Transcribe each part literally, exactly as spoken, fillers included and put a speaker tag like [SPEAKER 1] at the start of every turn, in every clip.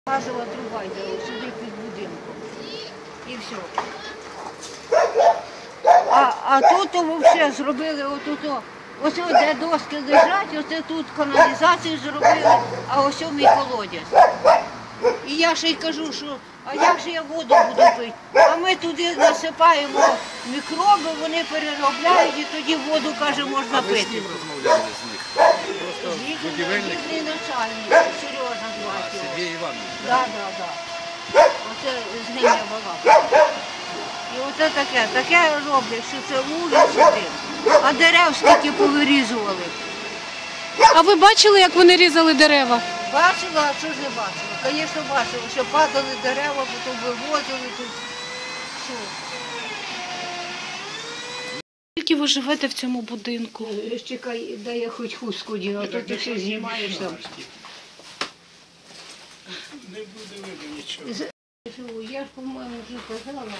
[SPEAKER 1] Газова труба йде сюди під будинком. І все. А, а тут взагалі зробили отут, ось де доски лежать, оце тут каналізацію зробили, а ось мій колодязь. І я ще й кажу, що а як же я воду буду пити? А ми туди насипаємо мікроби, вони переробляють і тоді воду, каже, можна пити.
[SPEAKER 2] А ви з ким розмовляли з них? Просто будівельник?
[SPEAKER 1] Їхній начальник, Сережа звати.
[SPEAKER 2] Сергій Іванович?
[SPEAKER 1] Так, так, так. Оце з ним я була. І оце таке, таке роблять, що це вулиця тим. А дерев скільки повирізували.
[SPEAKER 3] А ви бачили, як вони різали дерева?
[SPEAKER 1] Бачила, а що ж не бачила? Звісно, бачила, що падали дерева, потім вивозили тут. Що?
[SPEAKER 3] Скільки ви живете в цьому будинку?
[SPEAKER 1] Чекай, дай я хоч хустку діну, а то ти все знімаєш там.
[SPEAKER 4] Не буде видно нічого.
[SPEAKER 1] Я ж, по-моєму, вже казала,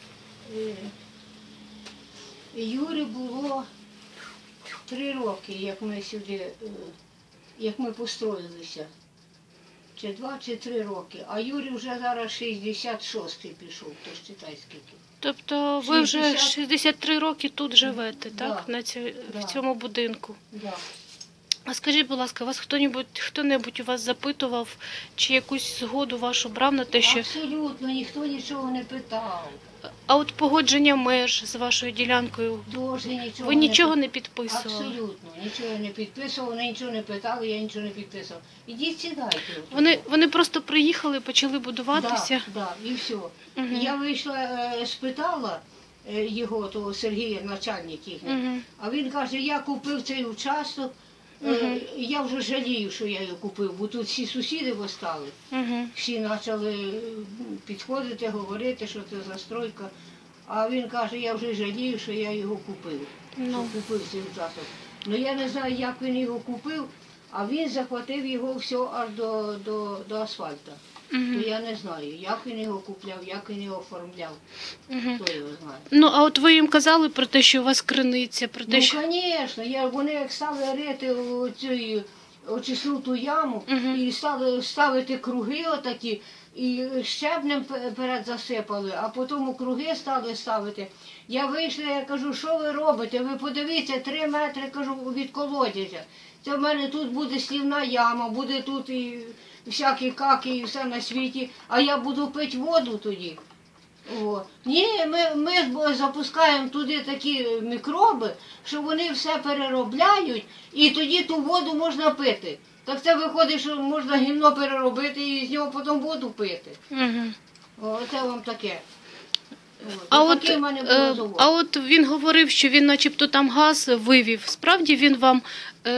[SPEAKER 1] Юрі було три роки, як ми сюди, як ми построїлися. Чи два, чи три роки. А Юрій вже зараз шістдесят шостий пішов, то ж читай скільки.
[SPEAKER 3] Тобто ви вже шістдесят три роки тут живете,
[SPEAKER 1] Да.
[SPEAKER 3] так? На цьому,
[SPEAKER 1] Да.
[SPEAKER 3] в цьому будинку.
[SPEAKER 1] Да.
[SPEAKER 3] А скажіть, будь ласка, вас хто-небудь, хто-небудь у вас запитував, чи якусь згоду вашу брав на те, що...
[SPEAKER 1] Абсолютно, ніхто нічого не питав.
[SPEAKER 3] А от погодження меж з вашою ділянкою,
[SPEAKER 1] Дуже нічого
[SPEAKER 3] ви нічого
[SPEAKER 1] не
[SPEAKER 3] не підписували?
[SPEAKER 1] Абсолютно, нічого не підписував, вони нічого не питали, я нічого не підписував. Ідіть сідайте.
[SPEAKER 3] Вони, вони просто приїхали, почали будуватися?
[SPEAKER 1] Так, да, да, і все.
[SPEAKER 3] Угу.
[SPEAKER 1] Я вийшла, е, спитала е, його, того Сергія, начальник їхній,
[SPEAKER 3] Угу.
[SPEAKER 1] а він каже, я купив цей участок, е,
[SPEAKER 3] Угу.
[SPEAKER 1] я вже жалію, що я його купив, бо тут всі сусіди постали.
[SPEAKER 3] Угу.
[SPEAKER 1] Всі почали підходити, говорити, що це застройка. А він каже, я вже жалію, що я його купив.
[SPEAKER 3] Ну.
[SPEAKER 1] Що купив цей участок. Ну я не знаю, як він його купив, а він захватив його все аж до, до, до асфальту.
[SPEAKER 3] Угу.
[SPEAKER 1] То я не знаю, як він його купляв, як він його оформляв.
[SPEAKER 3] Угу.
[SPEAKER 1] Хто його знає.
[SPEAKER 3] Ну, а от ви їм казали про те, що у вас криниця, про те,
[SPEAKER 1] Ну,
[SPEAKER 3] що...
[SPEAKER 1] звісно, я, вони як стали рити оцю очисну ту яму
[SPEAKER 3] Мгм.
[SPEAKER 1] і стали ставити круги отакі, і щебнем пе- перед засипали, а потім круги стали ставити. Я вийшла, я кажу, що ви робите? Ви подивіться, три метри, кажу, від колодязя. Це в мене тут буде слівна яма, буде тут і всякі каки, і все на світі, а я буду пити воду тоді. О. Ні, ми, ми ж запускаємо туди такі мікроби, що вони все переробляють, і тоді ту воду можна пити. Так це виходить, що можна гімно переробити і з нього потім воду пити.
[SPEAKER 3] Угу.
[SPEAKER 1] О, це вам таке. От.
[SPEAKER 3] А
[SPEAKER 1] І
[SPEAKER 3] от,
[SPEAKER 1] такий в мене був
[SPEAKER 3] е,
[SPEAKER 1] розговор.
[SPEAKER 3] а от він говорив, що він начебто там газ вивів. Справді він вам е,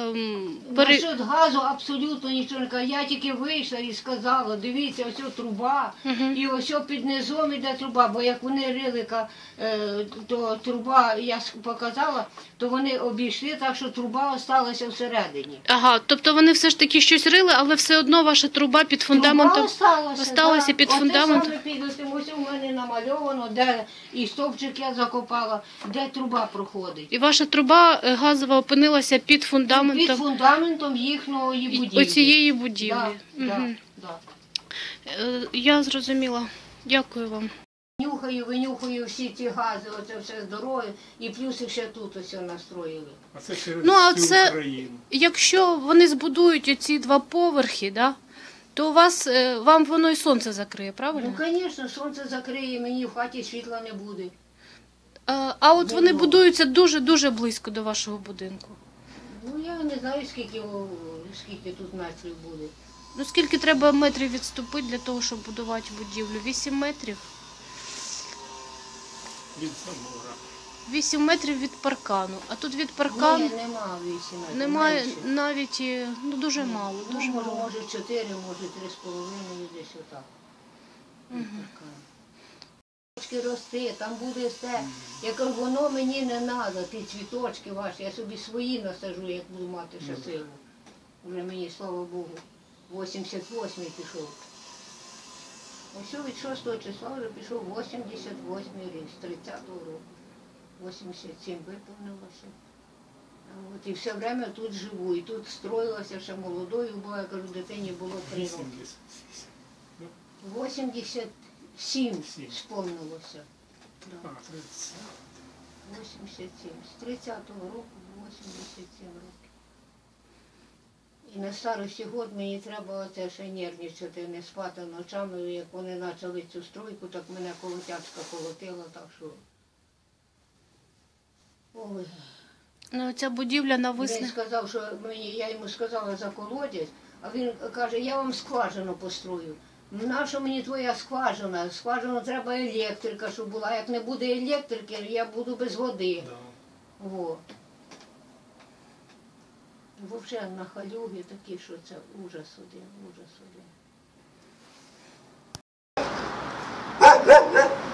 [SPEAKER 3] м, пере...
[SPEAKER 1] Насчет газу абсолютно нічого не кажу. Я тільки вийшла і сказала, дивіться, ось труба,
[SPEAKER 3] Мгм.
[SPEAKER 1] і ось під низом іде труба, бо як вони рили, ка- е, то труба, я с- показала, то вони обійшли, так що труба залишилася всередині.
[SPEAKER 3] Ага, тобто вони все ж таки щось рили, але все одно ваша труба під фундаментом...
[SPEAKER 1] Труба осталася,
[SPEAKER 3] осталася
[SPEAKER 1] да.
[SPEAKER 3] під
[SPEAKER 1] Оце
[SPEAKER 3] фундаментом.
[SPEAKER 1] саме під оцим, ось у мене намальовано, де і стовпчик я закопала, де труба проходить.
[SPEAKER 3] І ваша труба е, газова опинилася під
[SPEAKER 1] Під
[SPEAKER 3] фундаментом
[SPEAKER 1] фундаментом їхньої будівлі.
[SPEAKER 3] оцієї будівлі.
[SPEAKER 1] Да, да,
[SPEAKER 3] Мгм.
[SPEAKER 1] да.
[SPEAKER 3] Е, Я зрозуміла. Дякую вам.
[SPEAKER 1] Нюхаю, винюхаю всі ці гази, оце все здоров'я, і плюс ще тут ось настроїли.
[SPEAKER 4] А це через
[SPEAKER 3] Ну, а
[SPEAKER 4] всю
[SPEAKER 3] це-
[SPEAKER 4] Україну.
[SPEAKER 3] Якщо вони збудують оці два поверхи, да, то у вас, е, вам воно і сонце закриє, правильно?
[SPEAKER 1] Ну, звісно, сонце закриє, мені в хаті світла не буде.
[SPEAKER 3] А, а от вони
[SPEAKER 1] Ну.
[SPEAKER 3] будуються дуже-дуже близько до вашого будинку.
[SPEAKER 1] Ну, я не знаю, скільки, о, скільки тут метрів буде.
[SPEAKER 3] Ну, скільки треба метрів відступити для того, щоб будувати будівлю? Вісім метрів?
[SPEAKER 4] Від забора.
[SPEAKER 3] Вісім метрів від паркану. А тут від паркану
[SPEAKER 1] Ні, нема вісім метрів.
[SPEAKER 3] немає
[SPEAKER 1] менше.
[SPEAKER 3] навіть, і, ну, дуже
[SPEAKER 1] Ні.
[SPEAKER 3] мало,
[SPEAKER 1] Ну,
[SPEAKER 3] дуже
[SPEAKER 1] може,
[SPEAKER 3] мало.
[SPEAKER 1] може чотири, може три з половиною, десь отак. Така. Цвіточки рости, там буде все. Я кажу, воно мені не треба, ті цвіточки ваші, я собі свої насажу, як буду мати ще силу. Вже мені, слава Богу, вісімдесят восьмий пішов. Ось від шостого числа вже пішов вісімдесят восьмий рік, з тридцятого року. вісімдесят сім виповнилося. А От, і все время тут живу, і тут строїлася ще молодою, бо я кажу, дитині було три роки.
[SPEAKER 4] вісімдесят.
[SPEAKER 1] вісімдесят сім
[SPEAKER 4] Сім.
[SPEAKER 1] сповнилося.
[SPEAKER 4] А, тридцять.
[SPEAKER 1] вісімдесят сім. З тридцятого року вісімдесят сім років. І на старості год мені треба оце ще нервничати, не спати ночами. Як вони почали цю стройку, так мене колотячка колотила, так що. Ой.
[SPEAKER 3] Ну, ця будівля
[SPEAKER 1] Він
[SPEAKER 3] нависне.
[SPEAKER 1] сказав, що мені, я йому сказала за колодязь, а він каже, я вам скважину построю. Ну, нащо мені твоя скважина? Скважину треба електрика, щоб була. Як не буде електрики, я буду без води.
[SPEAKER 4] Да.
[SPEAKER 1] Во. Взагалі на халюги такі, що це ужас один, ужас один.